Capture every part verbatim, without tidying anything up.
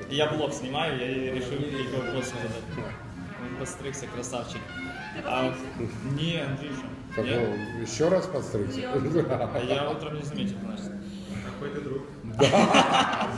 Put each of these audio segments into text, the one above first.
Я блог снимаю, я решил только вопросы задать. Он подстригся, красавчик. А, не, Андрюша. Так, ну, еще раз подстригся? А я утром не заметил, значит. Какой ты друг. Да.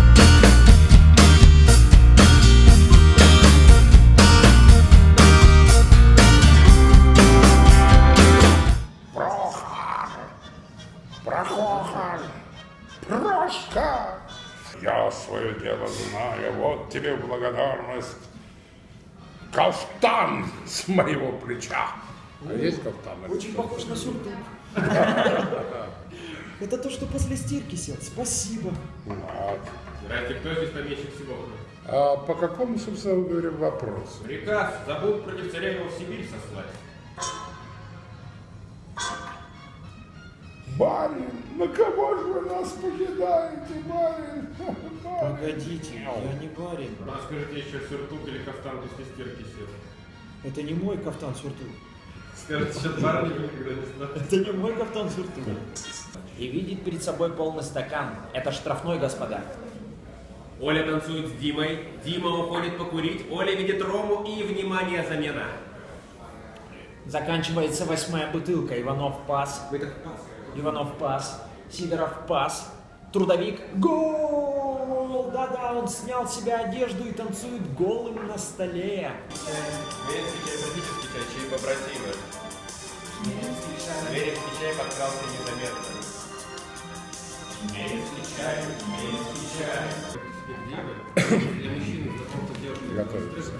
Прохор, Прошка, я свое дело знаю, вот тебе благодарность. Кафтан с моего плеча. А есть кафтан? Очень похож на сюртук. Это то, что после стирки сел. Спасибо. Здравствуйте, кто здесь помещик всего? А по какому, собственно говоря, вопросу? Приказ забудут против царя его в Сибирь сослать. Барин, на кого же вы нас покидаете, барин? Погодите, я не барин. А скажите еще сюртук или кафтан после стирки сел? Это не мой кафтан сюртук. Скажите, что барни никогда не знал. Это не мой кафтан сюртук. И видеть перед собой полный стакан. Это штрафной, господа. Оля танцует с Димой, Дима уходит покурить, Оля видит Рому и, внимание, замена. Заканчивается восьмая бутылка. Иванов пас. Вы так пас. Иванов пас. Сидоров пас. Трудовик. Гол! Да-да, он снял с себя одежду и танцует голым на столе. Веренский чай, практически чай, чай побратимы. Веренский чай подкрался незаметно. Веренский чай, веренский чай. Для мужчины в каком-то деле. Готовится.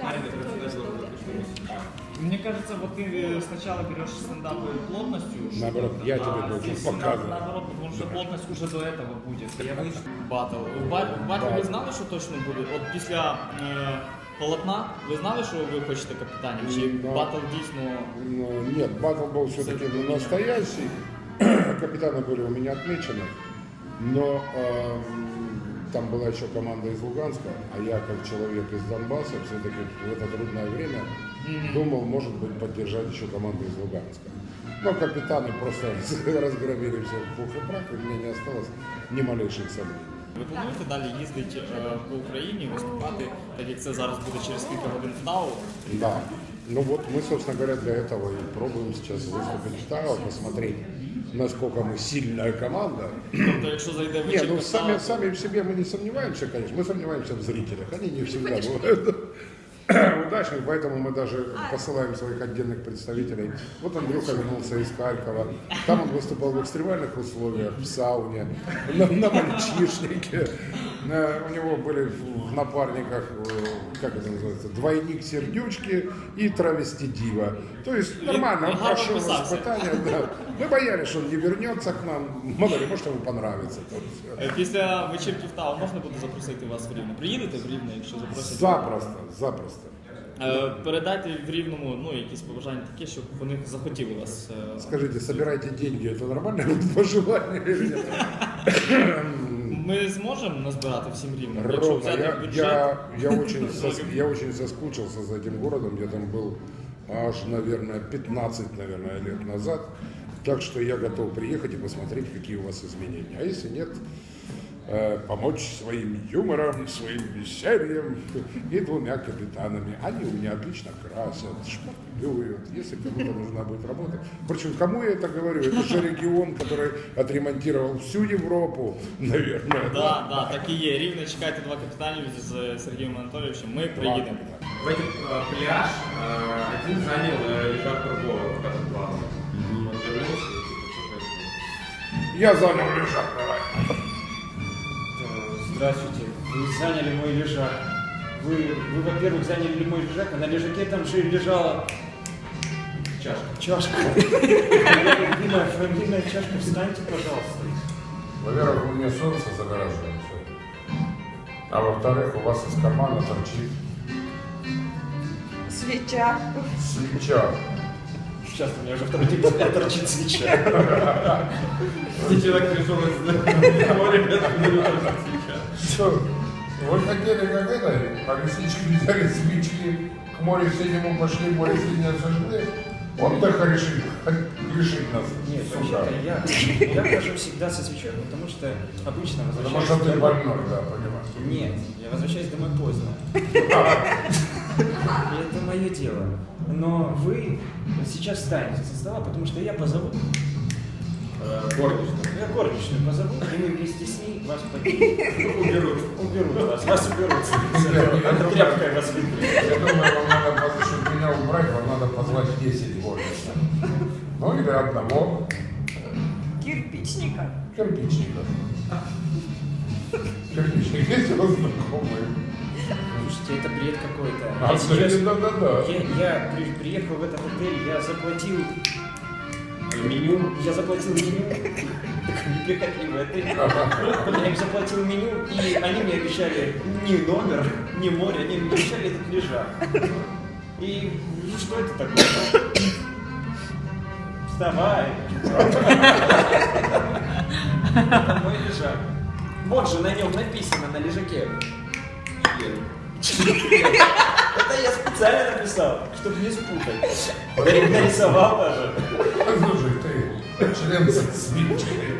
Мне кажется, вот ты сначала берешь стендап плотностью. Наоборот, я тебе должен показывать. Наоборот, потому что плотность уже до этого будет. Я боюсь. Батл. В батл ви знали, що точно буде? От після е, полотна, ви знали, що ви хочете капітанів? Чи Да. батл дійсно... Ну, нет, батл был все-таки настоящий. Капитаны были у меня отмечены. Но э, там была еще команда из Луганска, а я, как человек из Донбасса, все-таки в это трудное время mm-hmm. думал, может быть, поддержать еще команду из Луганска. Но капитаны просто разгромили все в пух и прах, и мне не осталось ни малейших сомнений. Ви плануєте далі їздити е, по Україні, виступати, так як це зараз буде через кілька годин в ТАО? Да. Ну вот мы, собственно говоря, для этого и пробуем сейчас выступить в ТАО, посмотреть, насколько мы сильная команда. Тобто, якщо зайде Не, вечірка ну в сами, ТАО, сами в себе мы не сомневаемся, конечно. Мы сомневаемся в зрителях. Они не всегда бывают удачных, поэтому мы даже посылаем своих отдельных представителей. Вот Андрюха вернулся из Харькова. Там он выступал в экстремальных условиях, в сауне, на, на мальчишнике. У него были в напарниках, как это называется, двойник сердючки и травести дива. То есть нормально, он прошел испытания. Да. Мы боялись, что он не вернется к нам. Мало ли, может, ему понравится. е, після вечірки в ТАО можна буде запросити вас в Рівне? Приїдете в Рівне, якщо запросять? Запросто, запросто. Е, Передайте в Рівному, ну, якісь побажання такі, щоб вони захотіли вас. е, Скажите, собирайте деньги, это нормальное пожелание или нет? Ми зможемо назбирати всім Рівнем? Якщо Ровно, взяти я, бюджет? я, я, очень сос- я очень соскучился за этим городом, я там был аж, наверное, пятнадцать, наверное, лет назад. Так что я готов приехать и посмотреть, какие у вас изменения. А если нет, э, помочь своим юмором, своим весельем и двумя капитанами. Они у меня отлично красят, шпаклюют, если кому-то нужна будет работа. Впрочем, кому я это говорю? Это же регион, который отремонтировал всю Европу, наверное. Да, да, так і є. Рівне, чекайте два капітанів з Сергієм Анатолійовичем. Ми приїдемо. В этот э, пляж э, один занял э, лежак другого, в этом плавал. Он вернулся и типа что-то... Я занял лежак, давай. Здравствуйте. Вы заняли мой лежак. Вы, вы, во-первых, заняли мой лежак, а на лежаке там же лежала Чашка. чашка. Моя любимая фамильная чашка. Встаньте, пожалуйста. Во-первых, у меня солнце загораживает. А во-вторых, у вас из кармана торчит Свеча. свеча. Сейчас у меня уже второй день подряд торчит свеча. И человек пришел из моря, пять минут сейчас. Что, вы хотели как это, а лисички взяли свечки, к морю синему пошли, море синее сожгли? Он так решит, решит нас. Нет, сука. вообще-то я, я хожу всегда со свечой, потому что обычно Потому возвращаюсь что ты домой. больной, да, понимаешь. Нет, я возвращаюсь домой поздно. И это мое дело. Но вы сейчас встанете со стола, потому что я позову. Э, горничная. Я горничную позову, и мы вместе с ней вас поднимем. Уберут. Уберут вас, вас уберут. Это тряпкой вас вытрет. Я думаю, вам надо, поз- чтобы меня убрать, вам надо позвать десять горничных. Ну или одного Кирпичника. кирпичника. Кирпичник есть у вас знакомые? Слушайте, это бред какой-то. А, Я сейчас... да, да, да. Я, я при- приехал в этот отель, я заплатил... Меню. Я заплатил меню. Так не приходи в отель. Я им заплатил меню, и они мне обещали ни номер, ни море, они мне обещали этот лежак. И ну, что это такое? Вставай. Это мой лежак. Вот же на нем написано, на лежаке. Это я специально написал, чтобы не спутать. Нарисовал даже. Слушай, ты член с свинчикой.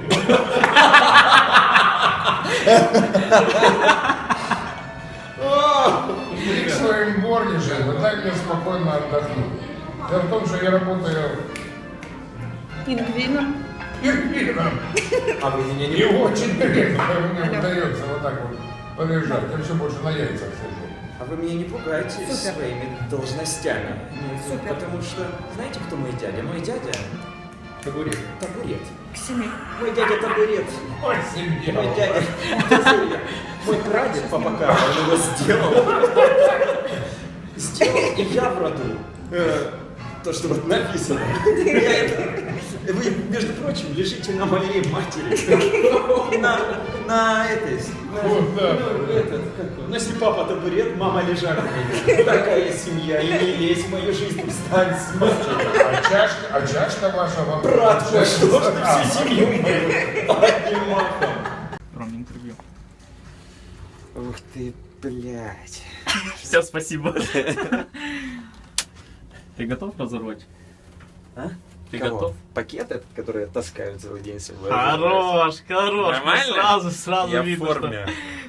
Иди к своим горничным, дай мне спокойно отдохнуть. Дело в том, что я работаю Пингвином. пингвином. А вы меня не И очень редко мне удается вот так вот полежать. Я все больше на яйцах сижу. А вы меня не пугаете Супер. своими должностями. Ну, Супер. Потому что, знаете, кто мой дядя? Мой дядя табурет. табурет. К семи. Мой дядя табурет. Ой, семья. Мой дядя тазурья. Мой прадед папа Карл, он его сделал. Сделал, и я в роду. Э, То, что вот написано. Я это- Вы, между прочим, лежите на моей матери. На, на этой. на- Вот, да. ну, этот, как он? Ну, если папа табурет, мама лежак. Такая семья. И не лезь в мою жизнь, встань с матери. А чашка, а чашка ваша вам... Брат, что ж ты А, всю семью мою одним махом. Ром, интервью. Ух ты, блядь. Все, спасибо. Ты готов разорвать? А? Ты Кого? готов? Пакет этот, который я таскаю целый день с собой. Хорош, хорош. Нормально? Сразу, сразу Я в видно, форме.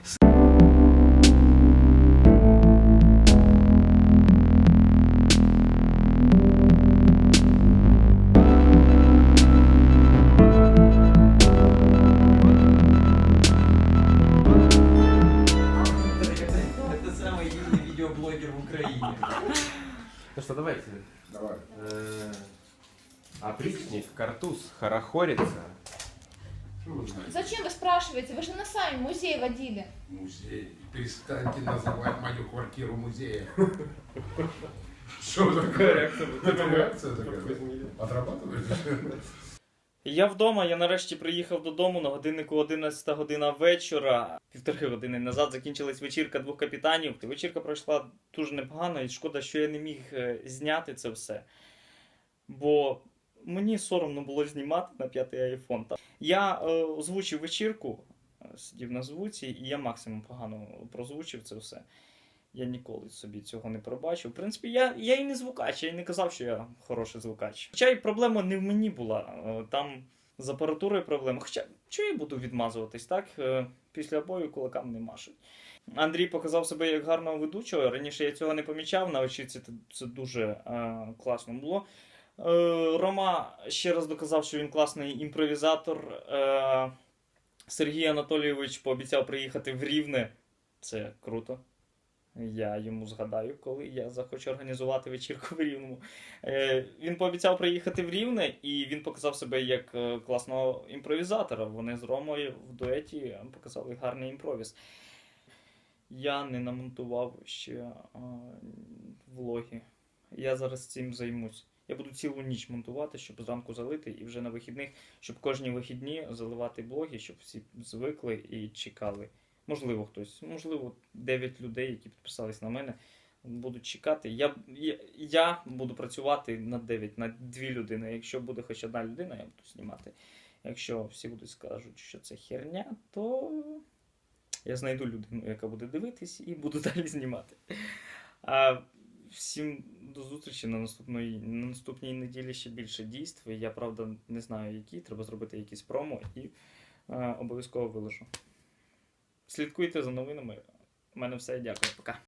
Это самый юный видеоблогер в Украине. Ну что, давайте. Давай. Э, Опричник, картуз, хорохорится. Зачем вы спрашиваете? Вы же на сами музей водили. Музей. Перестаньте называть мою квартиру музеем. Что такое реакция? Это реакция такая? Отрабатываешь? Я вдома, я нарешті приїхав додому на годиннику одинадцята година вечора. Півтори години назад закінчилась вечірка двох капітанів. Вечірка пройшла дуже непогано і шкода, що я не міг е, зняти це все. Бо мені соромно було знімати на п'ятий айфон. Я е, озвучив вечірку, е, сидів на звуці, і я максимум погано прозвучив це все. Я ніколи собі цього не пробачив. В принципі, я, я і не звукач, я і не казав, що я хороший звукач. Хоча і проблема не в мені була. е, Там з апаратурою проблема. Хоча, чого я буду відмазуватись, так? Е, Після бою кулакам не машуть. Андрій показав себе як гарного ведучого. Раніше я цього не помічав, на очіці це, це дуже е, класно було. Е, Рома ще раз доказав, що він класний імпровізатор. Е, Сергій Анатолійович пообіцяв приїхати в Рівне. Це круто. Я йому згадаю, коли я захочу організувати вечірку в Рівному. Е, він пообіцяв приїхати в Рівне, і він показав себе як е, класного імпровізатора. Вони з Ромою в дуеті показали гарний імпровіз. Я не намонтував ще е, влоги. Я зараз цим займусь. Я буду цілу ніч монтувати, щоб зранку залити, і вже на вихідних, щоб кожні вихідні заливати блоги, щоб всі звикли і чекали. Можливо, хтось, можливо, дев'ять людей, які підписались на мене, будуть чекати. Я, я, я буду працювати на дев'ять, на дві людини. Якщо буде хоч одна людина, я буду знімати. Якщо всі будуть скажуть, що це херня, то я знайду людину, яка буде дивитись, і буду далі знімати. А всім до зустрічі на наступної, на наступній неділі ще більше дійств. Я, правда, не знаю які, треба зробити якісь промо і е, обов'язково виложу. Слідкуйте за новинами. У мене все, дякую, пока.